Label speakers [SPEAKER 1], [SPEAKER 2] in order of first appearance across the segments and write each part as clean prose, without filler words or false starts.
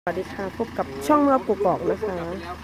[SPEAKER 1] สวัสดีค่ะพบกับช่องเมื่อกกอกนะคะ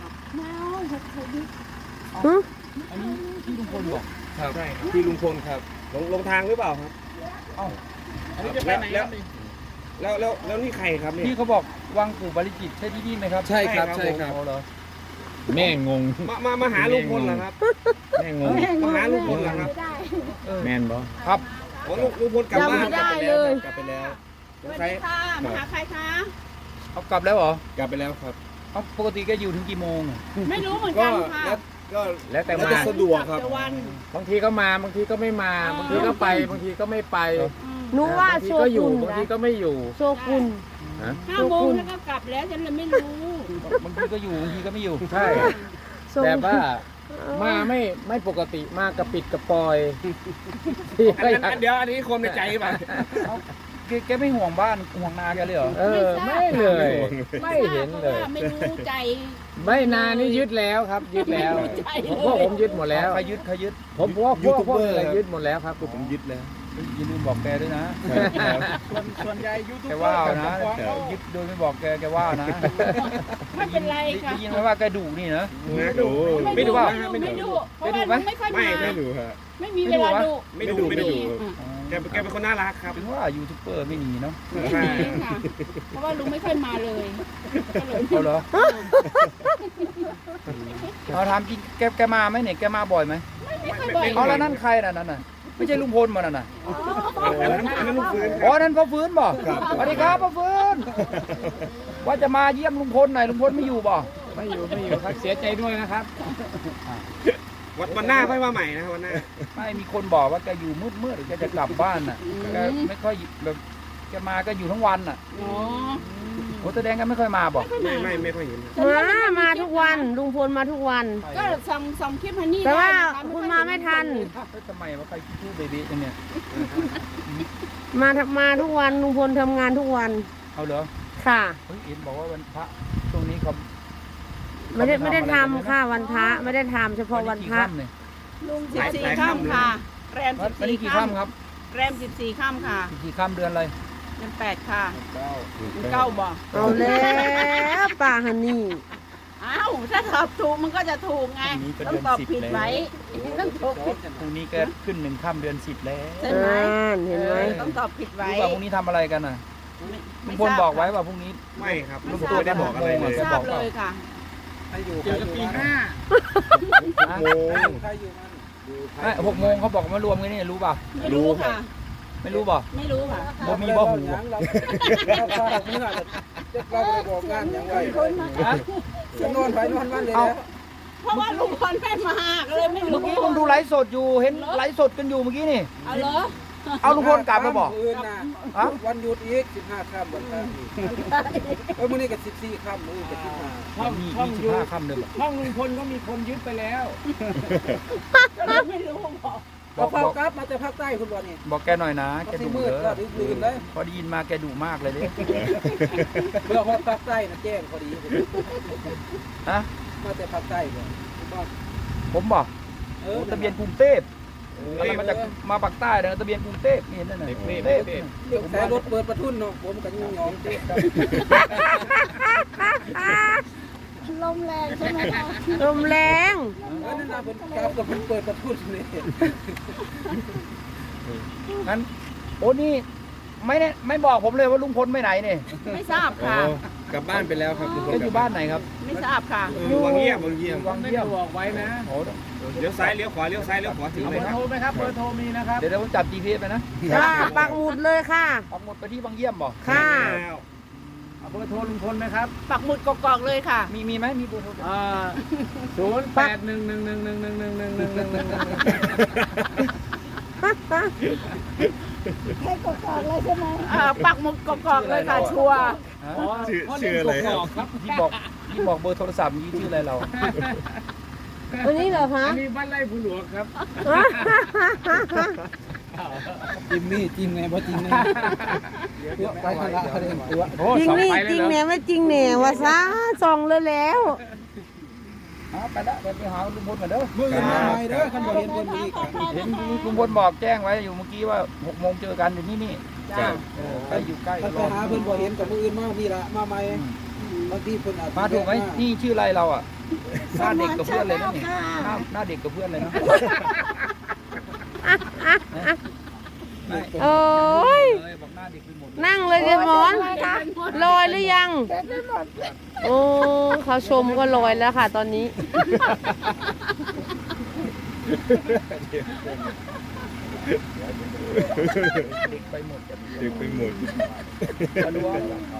[SPEAKER 1] ฮึ
[SPEAKER 2] อันนี้ที่ลุงพลบอก
[SPEAKER 3] ครับใช่ครับที่ลุงพลครับลงทางหรือเปล่าครับ
[SPEAKER 2] เอ้า
[SPEAKER 3] อันนี้จะไปไหนครับแล้วนี่ใครครับเนี่ย
[SPEAKER 2] ที่เขาบอกวังปู่บริจิตรใช่ที่นี่ไหมครับ
[SPEAKER 3] ใช่ครับใช่ครับ
[SPEAKER 2] เอาเหรอ
[SPEAKER 4] แม่งง
[SPEAKER 3] มาหาลุงพลเหรอครับ
[SPEAKER 4] แม่งง
[SPEAKER 3] มาหาลุงพลเหรอครับ
[SPEAKER 4] แม่นบ่
[SPEAKER 2] ครับ
[SPEAKER 3] อ๋อลุงพลกลับบ้าน
[SPEAKER 1] จำไม่ได้เลย
[SPEAKER 3] กลับไปแล้ว
[SPEAKER 5] สวัสดีค่ะมาหาใครคะ
[SPEAKER 2] เอากลับแล้วเหรอก
[SPEAKER 3] ลับไปแล้วครับ
[SPEAKER 2] เอาปกติแกอยู่ถึงกี่โมงอะ
[SPEAKER 5] ไม่รู้เหมือน
[SPEAKER 3] ก็
[SPEAKER 5] กันค่ะ
[SPEAKER 4] แล้วแต่
[SPEAKER 3] แล้ว
[SPEAKER 4] มา
[SPEAKER 3] จะสะดวกครับ
[SPEAKER 5] แต่วัน
[SPEAKER 4] บางทีก็มาบางทีก็ไม่มาบางทีก็ไปบางทีก็ไม่ไป
[SPEAKER 1] หนูว่า
[SPEAKER 4] บางที
[SPEAKER 1] โช
[SPEAKER 4] ก็อยู่
[SPEAKER 1] กุน
[SPEAKER 4] บาง
[SPEAKER 1] นะ
[SPEAKER 4] ทีก็ไม่อยู่
[SPEAKER 1] โชกุน
[SPEAKER 4] ฮะ
[SPEAKER 5] 5 โมงแล้วก็กลับแล้วฉันเลยไม่รู้
[SPEAKER 2] บางทีก็อยู่บางทีก็ไม่อยู่
[SPEAKER 4] ใช่
[SPEAKER 1] โช
[SPEAKER 4] แต่
[SPEAKER 1] กุน
[SPEAKER 4] ว่ามาไม่ปกติมากระปิดกระปอยที่
[SPEAKER 3] อันเดี๋ยวอันนี้ความในใจป่ะ
[SPEAKER 2] แกไม่ห่วงบ้านห่วงนาแกเลยเหรอ
[SPEAKER 4] ไม่เลย ไม่เห็นเลย
[SPEAKER 5] พราะว่าไม่รู้ใจ
[SPEAKER 4] ไม่นานนี่ยึดแล้วครับ ยึดแล้วพวกผมยึดหมดแล้ว
[SPEAKER 2] ใครยึด
[SPEAKER 4] ผมพวกอะไรยึดหมดแล้วครับ
[SPEAKER 3] ผมยึดแล้ว
[SPEAKER 2] อย่าลืมบอกแกด้วยนะ
[SPEAKER 3] ส่วนใหญ่ยูทูบ
[SPEAKER 2] แกว่าเอานะยึดโดยไม่บอกแกว่านะ
[SPEAKER 5] ไม่เป็นไรค่ะ
[SPEAKER 2] ได้ยินไหมว่าแกดุนี่นะ
[SPEAKER 3] นะดู
[SPEAKER 2] ไม่ดูเปล่า
[SPEAKER 5] ไม่ดูเพราะว่าไม่ค่อย
[SPEAKER 3] ไม่
[SPEAKER 5] มา
[SPEAKER 3] ไม่ดูฮะ
[SPEAKER 5] ไม่มีเวลาดู
[SPEAKER 3] ไม่ดูแกเป็นคนน่ารักครับ
[SPEAKER 2] เป็นว่ายูทูบเบอร์ไม่หนีเนาะ
[SPEAKER 3] ใช่
[SPEAKER 5] จริงค่ะเพราะว่าลุงไม่ค่อยมาเลยก็เลย
[SPEAKER 2] เอาเหรอเอาถามจริงแกมาไหมเนี่ยแกมาบ่อยไหม
[SPEAKER 5] ไม่ค่อยบ่อย
[SPEAKER 2] เอาแล้วนั่นใครน่ะนั่นน่ะไม่ใช่ลุงพลมาน่ะ
[SPEAKER 3] อันนั้นลูกฟื้นค
[SPEAKER 2] อ๋อ
[SPEAKER 3] รับ
[SPEAKER 2] นั่นพ่อฟื้นบ่สวัสดีครับพ่อฟื้นว่าจะมาเยี่ยมลุงพลหน่อยลุงพลไม่อยู่บ่
[SPEAKER 4] ไม่อยู่ครับเสียใจด้วยนะครับ
[SPEAKER 3] วันหน้าค่อยมาใหม่นะวันหน้า
[SPEAKER 2] ไม่มีคนบอกว่าแกอยู่มืดแกจะกลับบ้านน่ะแกไม่ค่อยแบบแกมาก็อยู่ทั้งวันน่ะ
[SPEAKER 5] อ๋อ
[SPEAKER 2] โอ้แสดงกันไม่ค่อยมาบ่
[SPEAKER 3] ไม่ค่อยเห็น
[SPEAKER 1] มาทุกวันลุงพลมาทุกวัน
[SPEAKER 5] ก็ส่งคลิปฮันนี่
[SPEAKER 1] แต่ว่า
[SPEAKER 5] ได้นะคะ
[SPEAKER 1] คุณมาไม่ทัน
[SPEAKER 2] ทำไมว่าใครคิดเบบี้จังเนี่ย
[SPEAKER 1] มาทุกวันลุงพลทำงานทุกวัน
[SPEAKER 2] เอาเหรอ
[SPEAKER 1] ค่ะ
[SPEAKER 2] เฮ้ยเอ็นบอกว่าวันพระช่วงนี้เขา
[SPEAKER 1] ไม่ได้ทำค่ะวันพระไม่ได้ทำเฉพาะวันพระ
[SPEAKER 2] เนี่ย
[SPEAKER 5] ลุง14 ค่ำค่ะแรม
[SPEAKER 2] วันนี้
[SPEAKER 5] 14
[SPEAKER 2] กี่
[SPEAKER 5] ค่
[SPEAKER 2] ค่ำครับ
[SPEAKER 5] ำแรม14 ค่ำค่ะ
[SPEAKER 2] กี่ค่ำเดือนอะไร
[SPEAKER 5] เดือน8ค่ะเดือน9บ่
[SPEAKER 1] เอาแล้วป่าฮันนี่
[SPEAKER 5] อ้าวถ้าตอบถูกมันก็จะถูกไงต้องตอบผิดไว้ต้องตอบผิด
[SPEAKER 2] พรุ่งนี้ก็ขึ้น1 ค่ำเดือน 10แล้ว
[SPEAKER 5] ใช่ไหม
[SPEAKER 1] เห็นไหม
[SPEAKER 5] ต้องตอบผิดไว้
[SPEAKER 2] รู้ว่าพรุ่งนี้ทำอะไรกันน่ะลุ
[SPEAKER 5] ไม่
[SPEAKER 2] งพลบอกไว้ว่าพรุ่งนี้
[SPEAKER 3] ไม่ครับ
[SPEAKER 5] ไม่
[SPEAKER 3] ลุง
[SPEAKER 5] ท
[SPEAKER 3] พ
[SPEAKER 5] รา
[SPEAKER 3] ล
[SPEAKER 5] บ
[SPEAKER 3] ไม่ได้บอกอะไรเลย
[SPEAKER 5] ไม่ทราบเลยค่ะ
[SPEAKER 3] เจอกันปีห้าโมง
[SPEAKER 2] ไม่6 โมงเขาบอกว่ามารวมกันนี่รู้ป่ะ
[SPEAKER 5] ไม่รู้ค่ะ
[SPEAKER 2] ไม่รู้ป่ะ
[SPEAKER 5] ไม่รู้ค่ะ
[SPEAKER 2] บ่มีบ่หู
[SPEAKER 3] จะนอนไปนอนมันเลย
[SPEAKER 2] เอา
[SPEAKER 5] เพราะว่าลุงพลไม่มาก็เลยไม่รู้
[SPEAKER 2] เมื่อกี้ผมดูไลฟ์สดอยู่เห็นไลฟ์สดกันอยู่เมื่อกี้นี่
[SPEAKER 5] เอาเหรอ
[SPEAKER 2] เอาลุงพลกลับมาบอก ฮะ
[SPEAKER 6] วันหยุดอีก15 ค่ำวันพระอีกมื้อนี้ก็14 ค่ำมื้อก็15
[SPEAKER 2] มี25 ค่ำเดิม
[SPEAKER 4] ห้องลุงพลก็มีคนยึดไปแล้ว
[SPEAKER 5] ก็เลยไม่รู้บอก
[SPEAKER 2] บอก
[SPEAKER 6] เฝ้ากลับมาจากภาคใต้คุณบ่นี่
[SPEAKER 2] บอกแกหน่อยนะแก
[SPEAKER 6] สิ
[SPEAKER 2] ดุ
[SPEAKER 6] มื
[SPEAKER 2] เด้
[SPEAKER 6] ดก็
[SPEAKER 2] อ
[SPEAKER 6] ดึกๆเลย
[SPEAKER 2] พอได้ยินมาแกดุมากเลยดิ
[SPEAKER 6] เพื่อฮอดภาคใต้นะแจ้งพอดี
[SPEAKER 2] ฮะ
[SPEAKER 6] มาจากภาคใต้บ่บ่
[SPEAKER 2] ผมบอก
[SPEAKER 6] นั่น
[SPEAKER 2] ทะเบียนกรุงเทพอะไรมาจากมาปากใต้นะทะเบียนกรุงเทพนี่นั่นน่ะกรุงเทพ
[SPEAKER 6] เดี๋ยวแต่รถเปิดประทุนเนาะผมก็ยุ่งยองเด้
[SPEAKER 5] ลมแรงใช่ไหมคะ
[SPEAKER 1] ลมแรง
[SPEAKER 6] นั่นน่ะเพิ่นกลับกับเพิ่นเปิดประทุนนี่
[SPEAKER 2] งั้นโอ้นี่ไม่บอกผมเลยว่าลุงพลไปไหนเนี่ย
[SPEAKER 5] ไม่ทราบค่ะ
[SPEAKER 3] กลับบ้านไปแล้วครับลุงพล
[SPEAKER 2] แกอยู่บ้านไหนครับ
[SPEAKER 5] ไม่ทราบค่ะ
[SPEAKER 3] อยู่วังเยี่ยมวังเยี่ยม
[SPEAKER 2] วังเยี่ยม
[SPEAKER 4] บอกไว้นะ
[SPEAKER 2] โอ้
[SPEAKER 3] เลี้ยวซ้ายเลี้ยวขวาเลี้ยวซ้ายเลี้ยวขวาถึง
[SPEAKER 4] เอา
[SPEAKER 3] เล
[SPEAKER 4] เบ
[SPEAKER 3] ย
[SPEAKER 4] อร์
[SPEAKER 3] ครับ
[SPEAKER 4] โทรไหมครับเบอร์โทรมีนะครับ
[SPEAKER 2] เดี๋ยวผมจับ GPS ไปนะ
[SPEAKER 1] ค่ะปักหมุดเลยค่ะ
[SPEAKER 2] ปักหมุดไปที่วังเยี่ยมบอก
[SPEAKER 1] ค่ะ
[SPEAKER 4] เอาเบอร์โทรลุงพลไหมครับ
[SPEAKER 5] ปักหมุดกอกๆเลยค่ะ
[SPEAKER 2] มีไหมมีเบอร์โทร
[SPEAKER 5] ปักหมุดกอกๆเลยค่ะ ชัวร์
[SPEAKER 3] ชื่ออะไรครับ
[SPEAKER 4] ครับ
[SPEAKER 2] ที่บอกเบอร์โทรศัพท์นี้ชื่ออะไรเรา
[SPEAKER 1] วันนี้เหรอคะ
[SPEAKER 4] อันนี้บ้านไร่ผู้หลวงครับ
[SPEAKER 6] จิมมี่จริงไงบ่จริงไงตัวไปทางละเด้งตัว
[SPEAKER 4] โอ้
[SPEAKER 1] จริง
[SPEAKER 4] สอง
[SPEAKER 1] นี่
[SPEAKER 4] ไป
[SPEAKER 1] จ
[SPEAKER 4] เล
[SPEAKER 1] ริ
[SPEAKER 4] ย
[SPEAKER 1] ง
[SPEAKER 4] เหร
[SPEAKER 1] แหน่
[SPEAKER 4] อ
[SPEAKER 1] ไม่จริงแหน่วะซะส่องเลยแล้ว
[SPEAKER 2] ไปละไปหาลุงพลกันเด้อ
[SPEAKER 6] มื้ออื่นมาใหม่เด้อคันบ่เห็นเพิ่นอีก
[SPEAKER 2] เห็นลุงพลบอกแจ้งไว้อยู่เมื่อกี้ว่า6 โมงเจอกันอยู่นี่
[SPEAKER 5] จ้า
[SPEAKER 2] ใกล้อยู่ใกล้
[SPEAKER 6] คันไป
[SPEAKER 2] รอ
[SPEAKER 6] หาเพิ่นบ่เห็นก็มื้ออื่นมานี่ล่ะมาใหม่บางทีเพิ่นอาจ
[SPEAKER 2] มาถูกไหมนี่ชื่ออะไรเราอ่ะหน้าเด็กกับเพื่อนเลยนะนี่หน้าเด็กกับเพื่อนเลยนะ
[SPEAKER 1] โอ้ย
[SPEAKER 2] บอกหน้าเด็กไปหมด
[SPEAKER 1] นั่งเลยเดี๋ยวหมอนลอยหรือยัง โอ้เขาชมก็ลอยแล้วค่ะ ตอนนี้
[SPEAKER 2] เด็กไปหมด
[SPEAKER 3] เด็กไปหมด
[SPEAKER 2] มาดูว่า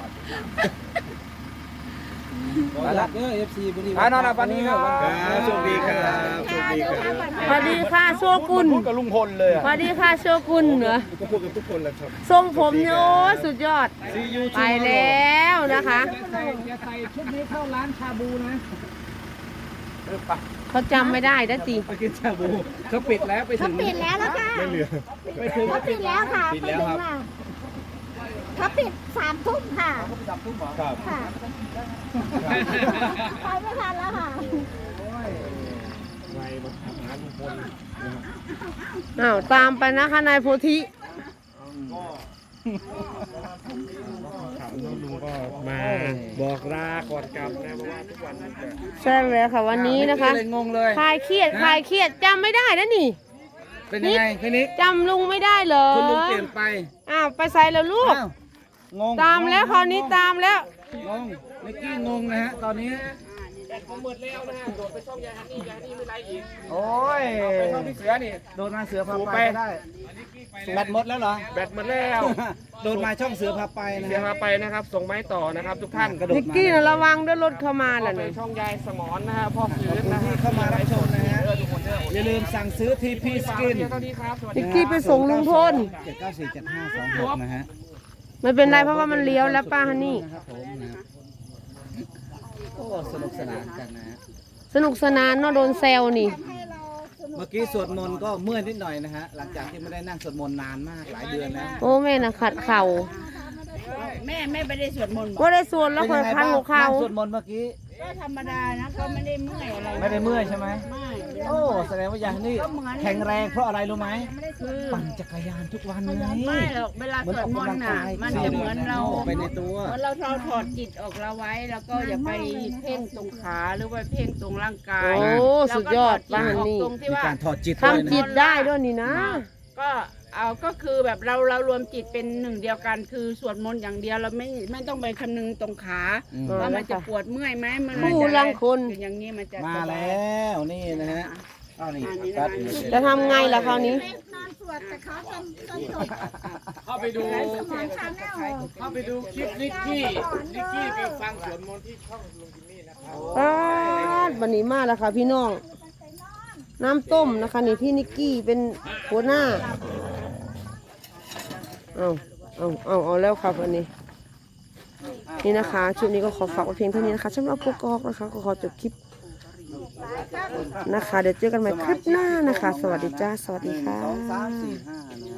[SPEAKER 6] ไปละเด้อ FC บ่นี่
[SPEAKER 2] นอนหลับวันนี้ครับ
[SPEAKER 3] ครับโชคดีครับโชคดีครับ
[SPEAKER 1] สวัสดีค่ะโชกุน
[SPEAKER 2] พูดกับลุงพลเลยอ่ะ
[SPEAKER 1] สวัสดีค่ะโชกุนเหรอ
[SPEAKER 3] ก็พูดกับทุกคนแหละครับ
[SPEAKER 1] ทรงผมเนี่ยโอ้สุดยอด ไปแล้วนะคะ
[SPEAKER 2] อย่าใส่ชุดนี้เข้าร้านชาบูนะไป
[SPEAKER 1] เขาจำไม่ได้นะติ
[SPEAKER 2] ไปกินชาบูเขาปิดแล้วไปถึง
[SPEAKER 5] ปิดแล้วค่ะ
[SPEAKER 3] ไม่เหลือ
[SPEAKER 2] ไปถึง
[SPEAKER 5] เขาปิดแล้วค่ะ
[SPEAKER 2] ปิดแล้วครับ
[SPEAKER 5] เขาปิด3 ทุ่มค่ะ
[SPEAKER 3] ครับ
[SPEAKER 5] ค่ะไปไม่ทันแล้วค่ะ
[SPEAKER 3] ไวมาถามหาลุงพลนะครับ
[SPEAKER 1] อ้าวตามไปนะคะนายโพธิ
[SPEAKER 3] ถามน้องลุงก็มาบอกลาก่อนกลับนะเพราะว่าทุกวันนี้จะ
[SPEAKER 1] ใช่แล้วค่ะวันนี้นะคะ
[SPEAKER 2] เลยงงเลย
[SPEAKER 1] คลายเครียดคลายเครียดจำไม่ได้นะนี่
[SPEAKER 2] เป็นยังไงพี่นิก
[SPEAKER 1] จำลุงไม่ได้เหรอ
[SPEAKER 2] คุณลุงเปลี่ยนไป
[SPEAKER 1] อ้าวไปใส่แล้วลูก
[SPEAKER 2] อ้าวงง
[SPEAKER 1] ตามแล้วคราวนี้ตามแล้ว
[SPEAKER 2] งงนิกกี้งงนะฮะตอนนี้ โอ้ยไปช่องพี่เสือนี่โดนมาเสือพาไปได้แบตหมดแล้วเหรอ
[SPEAKER 3] แบตหมดแล้ว
[SPEAKER 2] โดนมาช่องเสือพาไปนะ
[SPEAKER 3] เสียมาไปนะครับ ส่งไม้ต่อนะครับ ทุกท่านกระโดด
[SPEAKER 1] นิกกี้น่ะระวังด้วยรถเข้ามาน่ะ
[SPEAKER 3] ไป
[SPEAKER 1] เนี่ย
[SPEAKER 3] ช่องยายสมอนนะฮะพ่อฟื้นนะฮะ
[SPEAKER 2] ที่เข้ามารับชมนะฮะอย่าลืมสั่งซื้อทีพีสกิน
[SPEAKER 3] เท่านี้ครับสวัสดี
[SPEAKER 1] นิกกี้ไปส่งลุงพล
[SPEAKER 2] 7947526นะฮะ
[SPEAKER 1] ไม่เป็นไรเพราะว่ามันเลี้ยวแล้วป้าฮันนี่
[SPEAKER 2] นะครับผมนะโอ้สนุกสนานกันนะฮะ
[SPEAKER 1] สนุกสนานเนาะโดนแซวนี่
[SPEAKER 2] เมื่อกี้สวดมนต์ก็เมื่อยนิดหน่อยนะฮะหลังจากที่ไม่ได้นั่งสวดมนต์นานมากหลายเดือนแล้ว
[SPEAKER 1] โอ้แม่น่ะขัดเข่า
[SPEAKER 5] แม่ไม่ได้สวดมนต์บอก
[SPEAKER 1] ว่าได้ส่วนแล้วคอยพันหัวเข่า
[SPEAKER 2] นั่งสวดมนต์เมื่อกี้
[SPEAKER 5] ก็ธรรมดานะก็ไม่ได้เมื่อยอะไร
[SPEAKER 2] ไม่ได้เมื่อยใช่ไหม
[SPEAKER 5] ไม่
[SPEAKER 2] โอ้แสดงว่าอย่างนี้แข็งแรงเพราะอะไรรู้ไหม
[SPEAKER 5] คือ
[SPEAKER 2] ปั่นจักรยานทุกวันไง
[SPEAKER 5] ไม่หรอกเวลาสวดมนต์น่ะมันจะเหมือนเรา
[SPEAKER 2] ไปในตัว
[SPEAKER 5] เหมือนเราถอดจิตออกเราไว้ แล้วก็อย่าไปเพ่งตรงขาหรือว่าเพ่งตรงร่างกาย
[SPEAKER 1] โอ้สุดยอดป้าฮันนี่
[SPEAKER 5] ตรงที่
[SPEAKER 2] มี
[SPEAKER 5] ว่า
[SPEAKER 2] การถอดจิต
[SPEAKER 1] ทำจิตได้ด้วยนี่นะ
[SPEAKER 5] ก็เอาก็คือแบบเรารวมจิตเป็นหนึ่งเดียวกันคือสวดมนต์อย่างเดียวเราไม่ต้องไปคำนึงตรงขา
[SPEAKER 2] อืม
[SPEAKER 5] ว่ามันจะปวดเมื่อยไหมมัน
[SPEAKER 1] ผู้ลังคน
[SPEAKER 5] อย่างนี้มันจะ
[SPEAKER 2] มา
[SPEAKER 5] สบย
[SPEAKER 2] แล้วนี่นะฮะอ้าวนี่ตัด
[SPEAKER 1] จะทำไงล่ะคราวนี้
[SPEAKER 3] เข้าไปดูเข้าไปดูคลิปนิกกี้ไปฟังสวดมนต์ที่ช่องลุงจิมมี่นะครับ
[SPEAKER 1] วันนี้มาแล้วค่ะพี่น้อง น้ำต้มนะคะนี่พี่นิกกี้เป็นหัวหน้า เอาแล้วครับวันนี้ นี่นะคะชุดนี้ก็ขอฝากไว้เพียงเท่านี้นะคะสำหรับปุ๊กกอกนะคะก็ขอจบคลิปนะคะ เดี๋ยวเจอกันใหม่คลิปหน้านะคะ สวัสดีจ้า สวัสดีค่ะ
[SPEAKER 2] 2 3 4 5